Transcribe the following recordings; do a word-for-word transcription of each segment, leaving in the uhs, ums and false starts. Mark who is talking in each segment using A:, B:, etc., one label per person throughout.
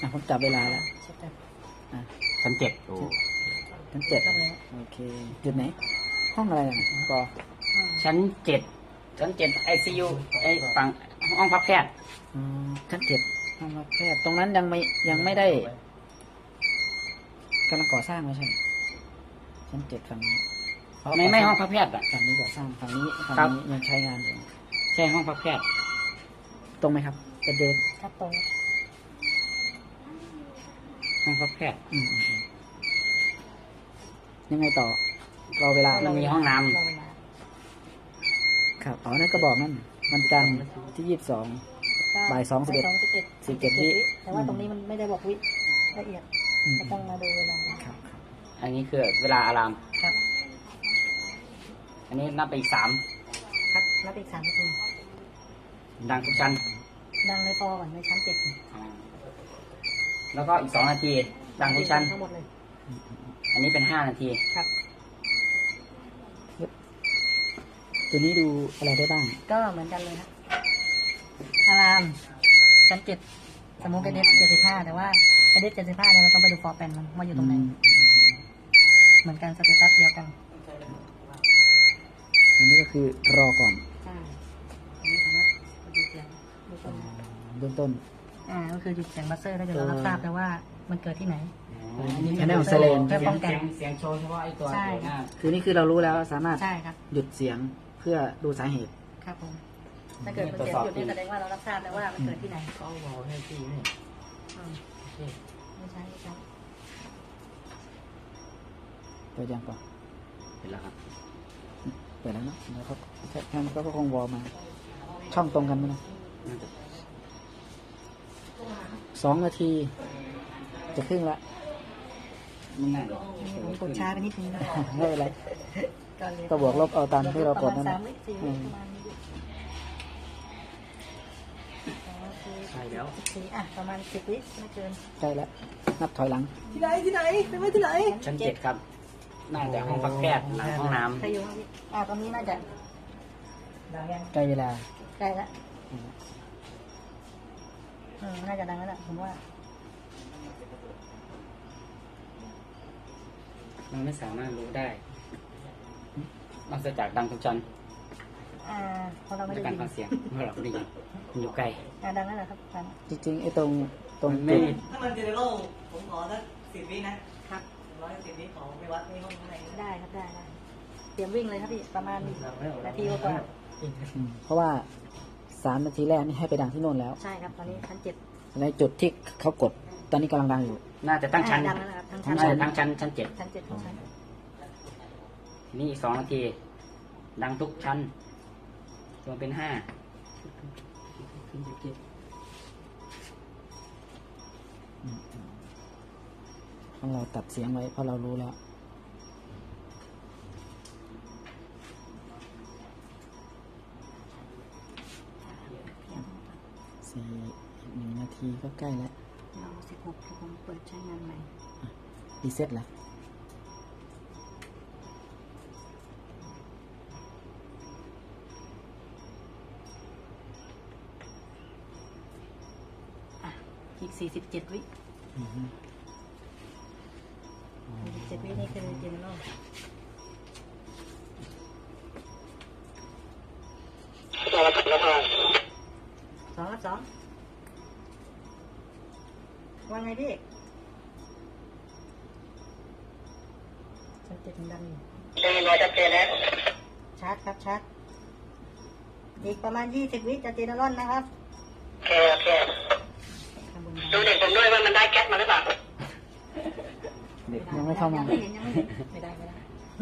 A: อ่ะผมจับเวลาแล้ว อ่ะ
B: ชั้นเจ็ดโอ้
A: ชั้นเจ็ดโอเคจุดไหน ห้องอะไรอ่ะปอ
B: ชั้นเจ็ดชั้นเจ็ดไอซียูไอฝั่งห้องพักแพทย์
A: อืมชั้นเจ็ดห้องรับแพทย์ตรงนั้นยังไม่ยังไม่ได้กำลังก่อสร้างไม่ใช่เหรอชั้นเจ็ดฝั่งนี้
B: ไม่ไม่ห้องพักแพทย์อ่ะ
A: ฝั่งนี้ก่อสร้างฝั่งนี้ฝั่ง
B: ครับ
A: นี้ยังใช้งานอยู่
B: ใช่ห้องพักแพทย์
A: ตรงไหมครับจะเดิน
C: ครับตรง
B: ห้องพักแพทย์
A: อืมอืมอืมยังไงต่อรอเวลา
B: มันมีห้องน้ำ
C: รอเวลา
A: ครับอ๋อนั่นก็บอกนั่นวันจันทร์ที่ยี่สิบสอง บ่ายสองสิบเอ็ด
C: บ่ายสองสิบเอ็ด
A: สิบเจ็ดวิ
C: แต่ว่าตรงนี้มันไม่ได้บอกวิละเอียด
A: อืม
C: ก็ต้องมาดูเวลา
A: ครับ
B: อันนี้คือเวลาอาราม
C: ครับ
B: อันนี้นับไปอีกสาม
C: ครับนับอีกสามนาที
B: ดังทุกชั้น
C: ดังในฟอก่อนในชั้นเจ็ด
B: อ่าแล้วก็อีกสองนาที ดังทุกชั้น
C: ทั้งหมดเลย
B: อันนี้เป็นห้านาที
C: ครับ
A: ตัวนี้ดูอะไรได้บ้าง
C: ก็เหมือนกันเลยครับอารามชั้นเจ็ดสมมุติเป็นเดเจ็ดสิบห้าแต่ว่าเอเดเจ็ดสิบห้าเนี่ยเราต้องไปดูฟอร์แปนมันว่าอยู่ตรงไหน เหมือนกันสเตตัสเดียวกัน
A: อันนี้ก็คือรอก่อน
C: ใช่อันนี้สามารถดูเสียงดูต้น
A: เบื้องต้น
C: อ่าก็คือหยุดเสียงบัสเซอร์ได้เดี๋ยวเรารับทราบแล้วว่ามันเกิดที่ไหน
A: อันนี้ Channel Silent
C: เพื่อป้องกัน
B: เสียงเสียงโชว์เฉพาะไอตัว
C: ใช่
B: หน้า
A: คือนี่คือเรารู้แล้วสามารถ
C: ใช่ครับ
A: หยุดเสียงเพื่อดูสาเหตุ
C: ครับผมถ้าเกิดมันเสียงหยุดนี่แสดงว่าเรารับทราบแล้วว่ามันเกิดที่ไหน
B: เขาบอกให้พี่นี่
C: อืมไม่ใช่ไม่ใช่
A: เปิดยังก่อน
B: เห็นแล้วครับ
A: เปิดแล้วเนาะแล้วเขาแค่ก็คงวอลมา ช่องตรงกันไหมนะ
B: น่าจะ
A: สองนาที จะครึ่งละ
B: ไม่น่า
C: ผมกดช้าไปนิดนึงนะ
A: ไม่เป็นไร
C: ก่อนเลย
A: ก็บวกลบเอาตามที่เรากดนั่น
C: ประ
A: แห
C: มาณ
A: ละ
C: สามวิสี่
A: อื
C: วิ
A: ม
C: ประมาณนี้โอเค
B: ใช่แล้ว
C: โอเคอ่ะประมาณสิบวิไม่เกิน
A: ใกล้แล้ว นับถอยหลัง
C: ที่ไหนที่ไหนไปไว้ที่ไหน
B: ชั้นเจ็ดครับ น่าจะห้องพักแพทย์หลังห้องน้
C: ใครอยู่ห้องนี้อ่ะตรงนี้น่าจะดังยัง
A: ใกล้เวลา
C: ใกล้ละอืมน่าจะดังแล้วล่ะผมว่า
B: ำมันไม่สามารถรู้ได้นอกจากดังทุกชั้น
C: อ่าเพราะเราไม่
B: ใน
C: ได้
B: การ
C: ยิน
B: ฟังเสียงเมื่อเราไม่ได้ยินมันอยู่ไกล
C: อ่าดังนั่นแหละครับดัง
A: จริงๆไอ้ตรงตรง
B: มันไม่
A: จุด
D: ถ้ามันเจเนอเรลผมขอสักสิบวินะครับ ร้อยสิบวิขอไปวัดในห้องข้างในนะ
C: ได้ครับได้ได้เตรียมวิ่งเลยครับพี่ประมาณนาทีกว่า
A: อืมเพราะว่าสามนาทีแรกนี่ให้ไปดังที่โน่นแล้ว
C: ๆใช่ครับตอนนี้ชั้นเจ็ด
A: ในจุดที่เขากด ตอนนี้กำลังดังอยู่
B: น่าจะตั้งชั้น
C: อ่าดังแล้วนะครับทั้ง
A: ทั้
C: ชั้น
A: ง
B: น่าจะตั้งชั้นชั้นเจ็ด
C: ชั้นเจ็ดทั้งชั้น
B: ทีนี้อีกสองนาที ดังทุกชั้นรวมเป็นห้า
A: ของเราตัดเสียงไว้เพราะเรารู้แล้ว สี่อีกหนึ่งนาทีก็ใกล้แล้ว
C: เราสิบหกที่ผมเปิดใช้งานใหม่
A: รีเซ็ตแล้ว
C: อ่ะอีกสี่สิบเจ็ดวิ
A: อือฮึ
C: สี่สิบเจ็ดวินี่คือเจนนอลสองรับสองว่าไงพี่ชั้นเจ็ดมันดังอยู่
D: ได้ยินว่าชัดเจนแล้ว
C: ชาร์จครับชาร์จอีกประมาณยี่สิบวิจะเจนนอลนะครับ
D: โอเคโอเค
C: ข้างบน
D: ดูเด็กผมด้วยว่ามันได้แก๊สมาหรือเปล่า
A: เด็กยังไม่เข้ามา
C: ยังไม่เห็นยังไม่เห็นไม่ได้ไม่ได้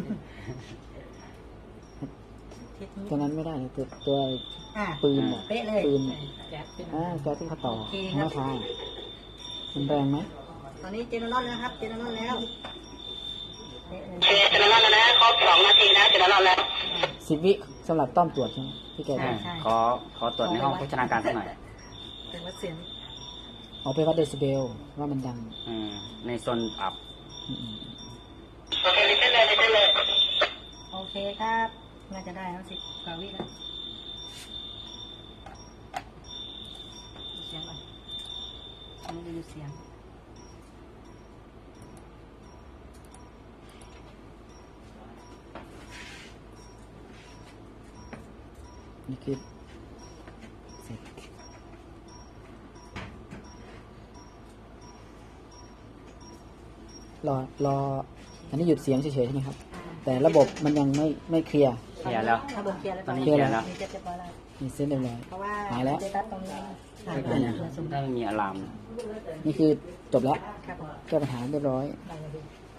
C: ทิศนี้
A: ตัวนั้นไม่ได้เลยตัวตัว
C: อ่ะ
A: ปืนอะ
C: เป๊ะเลย
A: ปืน
C: แก๊สเป็น
A: อ่าแก๊สที่เขาต่อ
C: โอเค
A: ของ
C: ครับ
A: มะพร้าวมันแรงไหม
C: ตอนนี้เจนนอลแล้วครับเจนนอลแล้วเป๊ะเลย
D: โอเคเจนนอนแล้วนะครบสองนาทีนะเจนนอนแล้ว
A: สิบวิสำหรับต้อมตรวจใช่ไหมที่แกบ
B: อ่า
A: อก
B: ขอขอตรวจในห้องโภชนาการสักหน่อย
C: เป็นวัดเสียง
A: เอาไปวัดเดซิเบลว่ามันดัง
B: อืมในโซนอับ
A: อืม
D: โอเคลิเซนเลยลิเซนเลย
C: โอเคครับน่าจะได้แล้วสิบกว่าวิแล้วดูเสียงก่อนอันนี้ดูเสียง
A: นี่คือเสร็จรอรออันนี้หยุดเสียงเฉยๆใช่ไหมครับ แต่ระบบมันยังไม่ไม่เคลียร์
B: เคลียร์แล้ว
C: ระบบเคลียร์แล้ว
B: ตอนนี้เคลียร์แล้ว
C: มีเจ็ดเรียบร้อยแล้ว
A: มีเส้นเรียบร้อย
C: เพราะว่า
A: หายแล้ว
C: สเตตัสตรงนี้หายไป
A: อ่า
C: แล้วสุ่ม
B: ถ้าไม่มีอะลาม
A: นี่คือจบแล้ว
C: ครับผม
A: แก้ปัญหาเรียบร้อย
C: ได้เลยพี่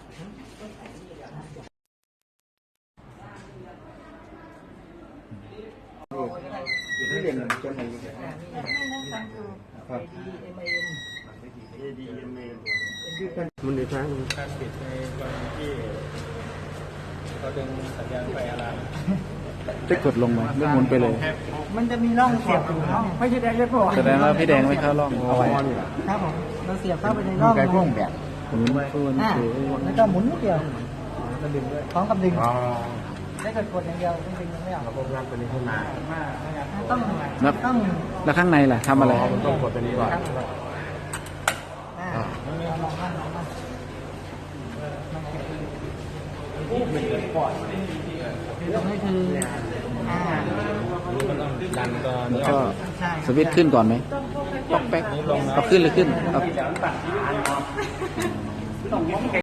E: มันอีกครั้ง
F: การปิดในกรณีที่เราดึงสัญญาณไฟอะลาม
A: จะกดลงไหมหรือหมุนไปเลย
C: มันจะมีร่องเสียบอยู่ร่องไม่ใช่แดงเลยพ่อ
A: แสดงว่าพี่แดงไม่เข้าร่องเอาไว้
C: ครับผมเราเสียบเข้าไปในร่องไก่พ่วงแบบ
A: หมุนฟูน
C: อ่า
A: ถือ
C: แล้วก็หมุนนิดเดียวพร้อมกับดึงได้กดกดอย่างเดียวดึงไม่ออก
E: เราพวกนั้นเป็นขึ้นมา
C: ต้อง
A: แล้ว
C: ต้อง
A: แล้วข้างในล่ะทำอะไร
E: ต้องกดตัวนี้ก่อน
C: อ่าลองบ้างลองบ้าง ตรงนี้คืออ่า
F: ดันตัว
A: แล้ว
F: นี้อ
A: ก็
F: อก
C: ใช่
A: สวิตช์ขึ้นก่อนไหมปอกแป๊กเอาขึ้นเลยขึ้นเอา